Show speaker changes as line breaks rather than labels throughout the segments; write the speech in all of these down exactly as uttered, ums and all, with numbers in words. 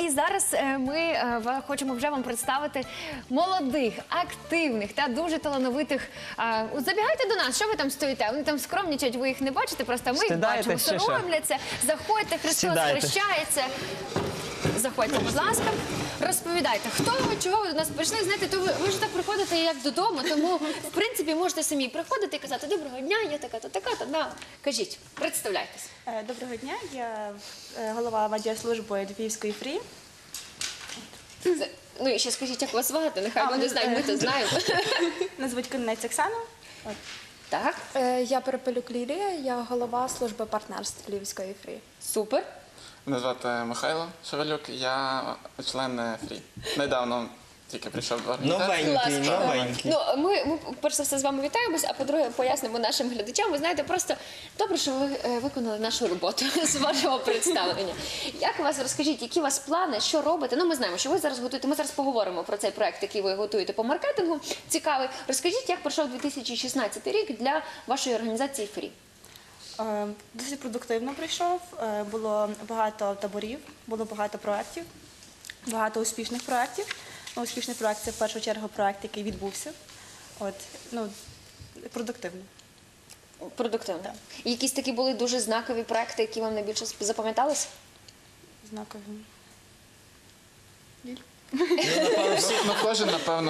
і зараз е, ми е, ва- хочемо вже вам представити молодих, активних та дуже талановитих. Е, от забігайте до нас, що ви там стоїте? Вони там скромнічать, ви їх не бачите, просто ми їх
Стидаєте
бачимо,
чи що?
соромляться. Заходьте, Христос
Сідайте.
хрещається. Заходьте, будь ласка, розповідайте, хто ви, чого ви до нас прийшли. Знаєте, то ви, ви ж так приходите як додому, тому в принципі можете самі приходити і казати: доброго дня, я така-то, така-то. Да. Кажіть, представляйтесь.
Е, Доброго дня, я е, голова медіаслужби Львівської фрі.
Це- Ну і ще скажіть, як вас звати, нехай
А,
ми не знаємо, ми то знаємо.
Мене звуть Конець Оксана. От.
Так,
Е, Я Перепелюк Лілія, я голова служби партнерств Львівської фрі.
супер.
Мене звати Михайло Шевелюк, я член фрі. Недавно тільки прийшов до організації.
Новенький,
Клас.
новенький.
Ну, ми, ми, перш за все, з вами вітаємось, а по-друге, пояснимо нашим глядачам. Ви знаєте, просто добре, що ви е, виконали нашу роботу з вашого представлення. Як у вас, розкажіть, які у вас плани, що робите? Ну, ми знаємо, що ви зараз готуєте, ми зараз поговоримо про цей проект, який ви готуєте по маркетингу. Цікавий. Розкажіть, як пройшов дві тисячі шістнадцятий рік для вашої організації «Фрі».
Е, Досить продуктивно прийшов, е, було багато таборів, було багато проєктів, багато успішних проєктів. Ну, успішний проєкт – це в першу чергу проєкт, який відбувся. От, ну, продуктивно.
Продуктивно.
Так.
І якісь такі були дуже знакові проекти, які вам найбільше запам'яталися?
Знаковим.
Ну, кожен, напевно,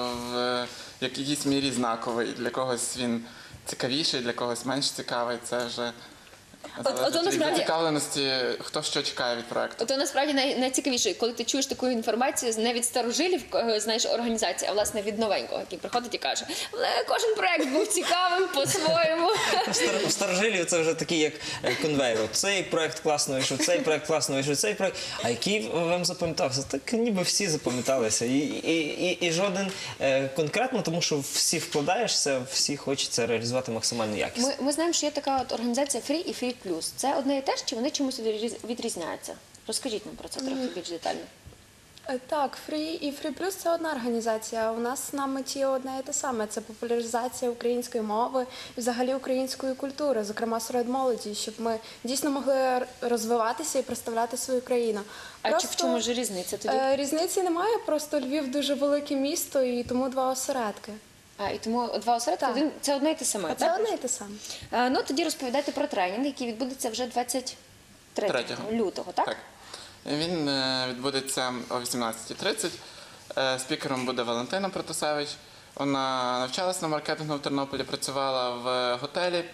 в якійсь мірі знаковий. Для когось він цікавіший, для когось менш цікавий. Це вже
от
залежить від
насправді-
зацікавленості, хто що чекає від проекту.
То насправді най, найцікавіше, коли ти чуєш таку інформацію не від старожилів, е, знаєш, організації, а власне від новенького, який приходить і каже: але кожен проект був цікавим по-своєму.
У стар- у старожилів це вже такий, як е, конвейер. От Цей проект класно вийшов, цей проект класно вийшов, цей проект. А який вам запам'ятався? Так ніби всі запам'яталися. І, і, і, і жоден е, конкретно, тому що всі вкладаєшся, всі хочеться реалізувати максимально якісно.
Ми, ми знаємо, що є така от організація «Фрі» і «Фрі Плюс». Це одне і те ж, чи вони чимось відріз- відрізняються? Розкажіть нам про це трохи більш детально.
Е, Так, Фрі і Фрі Плюс це одна організація. У нас на меті одне і те саме. Це популяризація української мови і взагалі української культури, зокрема серед молоді, щоб ми дійсно могли р- розвиватися і представляти свою країну.
А чи в
Просто,
чому ж різниця тоді?
е, Різниці немає, просто Львів дуже велике місто і тому два осередки.
А, і тому два осередки,
Так.
один, це одне і те саме,
Це
так?
одне і те саме.
А, ну, тоді розповідайте про тренінг, який відбудеться вже двадцять третього
Третього.
лютого, так?
Так. Він е, відбудеться о вісімнадцятій тридцять. Е, Спікером буде Валентина Протасевич. Вона навчалася на маркетингу в Тернополі, працювала в готелі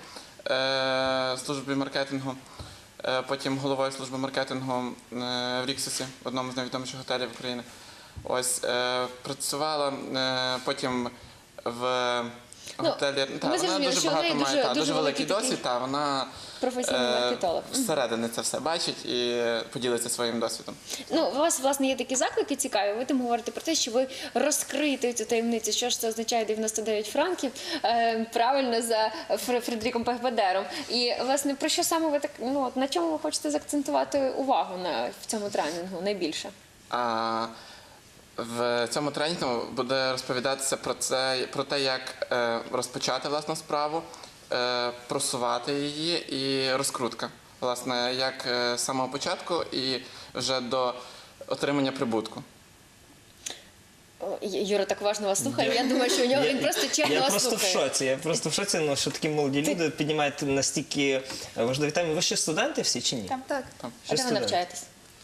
е, службі маркетингу, е, потім головою служби маркетингу е, в Ріксусі, в одному з найвідоміших готелів України. Ось е, працювала е, потім в
Ну,
готелі. Та,
ми
вона
зрозуміли,
дуже
що в неї
багато має
дуже-
та,
дуже
дуже великий
великий
досвід. Та, вона
професійний
е,
маркетолог.
зсередини це все бачить і поділиться своїм досвідом.
Ну, у вас, власне, є такі заклики цікаві. Ви там говорите про те, що ви розкриєте цю таємницю. Що ж це означає дев'яносто дев'ять франків, е, правильно, за Фр- Фредеріком Пехбедером. І, власне, про що саме ви так, ну, от на чому ви хочете заакцентувати увагу на, в цьому тренінгу найбільше?
А в цьому тренінгу буде розповідатися про це, про те, як е, розпочати власну справу, е, просувати її і розкрутка. Власне, як е, з самого початку і вже до отримання прибутку.
О, Ю- Юра так уважно вас слухає. Я думаю, що у нього він просто чесно
Я
вас
просто в
слухає.
шоці. Я просто в шоці, ну, що такі молоді люди піднімають настільки важливі теми. Ви ще студенти всі чи ні?
Там.
Так.
А
Ще
де ви
студенти.
навчаєтесь?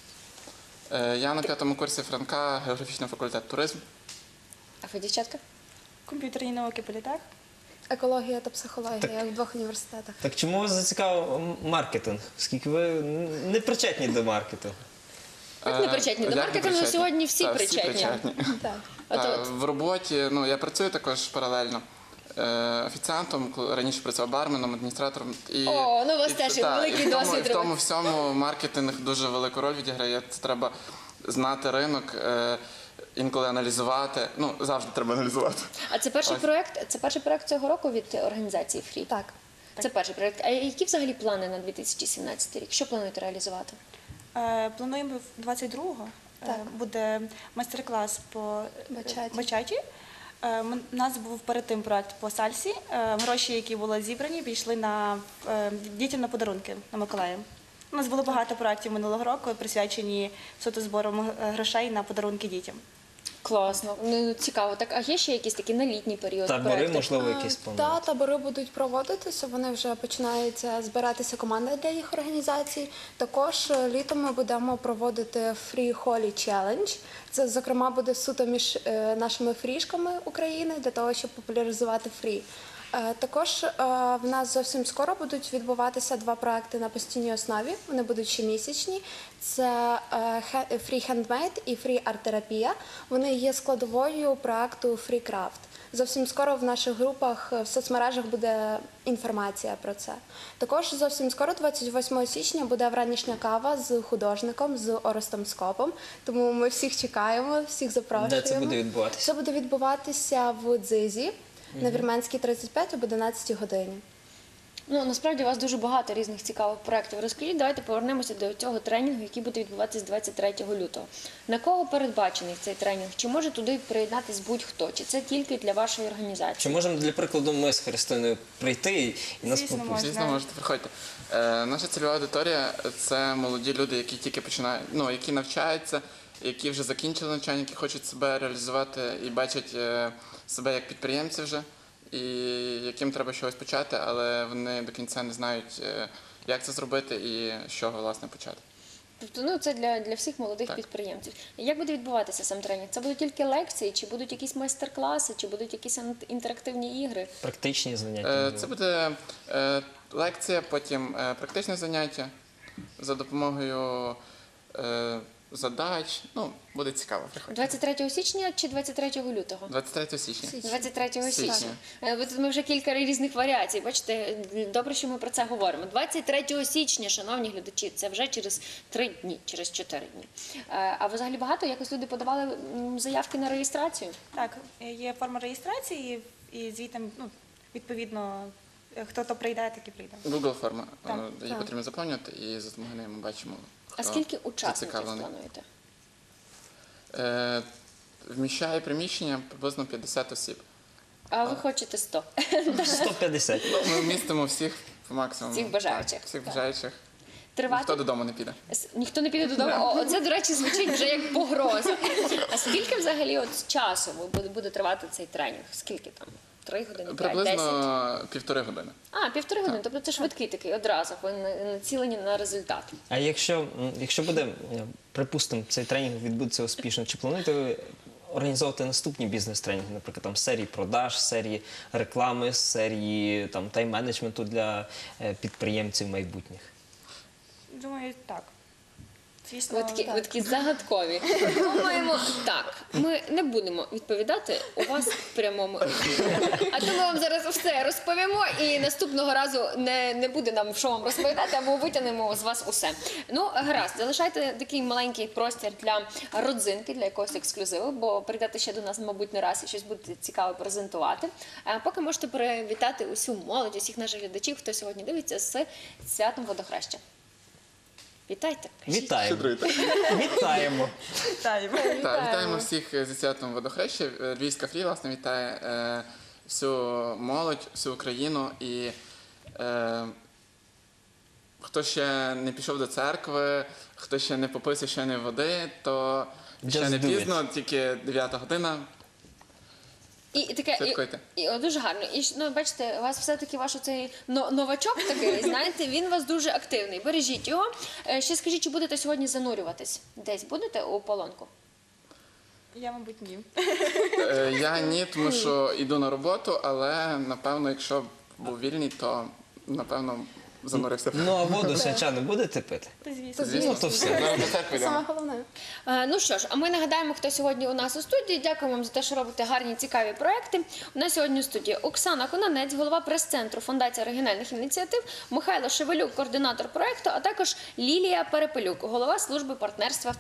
Е, я на п'ятому курсі Франка, географічний факультет туризм.
А ви, дівчатка?
Комп'ютерні науки, політех.
Екологія та психологія в двох університетах.
Так чому вас зацікавив маркетинг? Оскільки ви не причетні до маркетингу?
Як не причетні? До
Як не
маркетингу
причетні?
сьогодні всі
Та,
причетні.
Так.
От,
Та,
от.
в роботі, ну, я працюю також паралельно е, офіціантом, коли раніше працював барменом, адміністратором. І,
О, ну, у вас
і
теж
це-
є
та,
великий
і в тому,
досвід
і в тому
роботи.
всьому маркетинг дуже велику роль відіграє. Це треба знати ринок, е, інколи аналізувати. Ну, завжди треба аналізувати.
А це перший
Ось.
проект, це перший проект цього року від організації «Фрі»?
Так.
Це перший проект. А які взагалі плани на дві тисячі сімнадцятий рік? Що плануєте реалізувати?
Е, Плануємо двадцять другого. е,
Так.
Буде майстер-клас по
Бачаті.
бачаті. Е, ми- У нас був перед тим проект по сальсі. Е, Гроші, які були зібрані, пішли на е, дітям на подарунки на Миколая. У нас було багато проєктів минулого року, присвячені суто збором е, грошей на подарунки дітям.
Класно, ну цікаво. Так, а є ще якісь такі на літній період
Табори,
проекти?
можливо, якісь
Та
планують?
табори будуть проводитися. Вони вже починаються збиратися команда для їх організацій. Також е, літом ми будемо проводити Free Holy Challenge. Це, зокрема, буде суто між е, нашими фрішками України для того, щоб популяризувати фрі. Е, Також е, в нас зовсім скоро будуть відбуватися два проекти на постійній основі. Вони будуть щомісячні. Це е, хе- Free Handmade і Free Art Терапія. Вони є складовою проекту Free Craft. Зовсім скоро в наших групах е, в соцмережах буде інформація про це. Також зовсім скоро, двадцять восьмого січня, буде вранішня кава з художником, з Орестом Скопом. Тому ми всіх чекаємо, всіх запрошуємо.
Де це буде відбуватися?
Це буде відбуватися в Дзизі на Вірменській тридцять п'ять об одинадцятій годині.
Ну, насправді у вас дуже багато різних цікавих проєктів. Розкажіть, давайте повернемося до цього тренінгу, який буде відбуватися двадцять третього лютого. На кого передбачений цей тренінг? Чи може туди приєднатись будь-хто? Чи це тільки для вашої
Чи
організації?
можемо, для прикладу, ми з Христиною прийти і, і нас
Звісно,
попустити?
Звісно, можете приходьте. Е, наша цільова аудиторія це молоді люди, які тільки починають, ну які навчаються, які вже закінчили навчання, які хочуть себе реалізувати і бачать е, себе як підприємці вже, і яким треба щось почати, але вони до кінця не знають, е, як це зробити і з чого власне почати.
Тобто, ну це для, для всіх молодих
Так.
підприємців. І як буде відбуватися сам тренінг? Це будуть тільки лекції, чи будуть якісь майстер-класи, чи будуть якісь ан- інтерактивні ігри?
Практичні заняття.
Е,
можливо.
Це буде е, лекція, потім е, практичне заняття за допомогою е, задач. Ну, буде цікаво, приходьте.
двадцять третього січня чи двадцять третього лютого?
двадцять третього січня.
двадцять третього січня.
Січня.
Е, бо тут ми вже кілька різних варіацій. Бачите, добре, що ми про це говоримо. двадцять третього січня, шановні глядачі, це вже через три дні, через чотири дні. Е, А взагалі багато якось люди подавали м, заявки на реєстрацію?
Так, є форма реєстрації, і звідти, ну, відповідно, хто то прийде, так і прийде.
Google форма.
Так,
Е, Її
так.
потрібно заповнювати, і за допомогою неї ми бачимо,
А
хто
скільки учасників
зацікавлений.
плануєте?
Е, Вміщає приміщення приблизно п'ятдесят осіб.
А ви хочете сто?
сто п'ятдесят.
Ми вмістимо всіх по максимуму.
Всіх бажаючих.
Так, всіх бажаючих.
Тривати?
Ніхто додому не піде.
С- Ніхто не піде додому. О, оце, до речі, звучить вже як погроза. А скільки взагалі от часу буде, буде тривати цей тренінг? Скільки там? Три години, п'ять, десять?
Приблизно півтори години.
А, півтори години. Тобто це швидкий такий одразу. Ви на- націлені на результат.
А якщо, м, якщо буде, е, припустимо, цей тренінг відбудеться успішно, чи плануєте ви організовувати наступні бізнес-тренінги, наприклад, там серії продаж, серії реклами, серії там тайм-менеджменту для е, підприємців майбутніх?
Думаю, так. Звісно,
Ви такі,
так.
ви такі загадкові. Думаємо, так, ми не будемо відповідати у вас в прямому ефірі. А то ми вам зараз все розповімо і наступного разу не, не буде нам що вам розповідати, або витягнемо з вас усе. Ну, гаразд, залишайте такий маленький простір для родзинки, для якогось ексклюзиву, бо прийдете ще до нас, мабуть, не раз і щось будете цікаве презентувати. А поки можете привітати усю молодь, усіх наших глядачів, хто сьогодні дивиться, з святом Водохреща. Вітайте! кажіть.
Вітаємо! Вітаємо!
Вітаємо.
Так, вітаємо всіх зі святом Водохреща. Е, Львівська фрі, власне, вітає е, всю молодь, всю Україну. І е, хто ще не пішов до церкви, хто ще не попив священої води, то ще
Just
не
do
пізно, тільки дев'ята година.
І, і таке,
Святкуйте.
і, і, о, дуже гарно. І ж, ну, бачите, у вас все-таки ваш оцей но- новачок такий, знаєте, він у вас дуже активний. Бережіть його. Е, Ще скажіть, чи будете сьогодні занурюватись? Десь будете у полонку?
Я, мабуть, ні.
Е, Я ні, тому що йду на роботу, але напевно, якщо б був вільний, то напевно занурився.
Ну а воду свячану будете пити?
Та, звісно.
Ну то все.
Зараз до церкви йдемо.
Саме головне.
Е, Ну що ж, а ми нагадаємо, хто сьогодні у нас у студії. Дякуємо вам за те, що робите гарні, цікаві проекти. У нас сьогодні у студії Оксана Кононець, голова прес-центру Фундації оригінальних ініціатив, Михайло Шевелюк, координатор проекту, а також Лілія Перепелюк, голова служби партнерства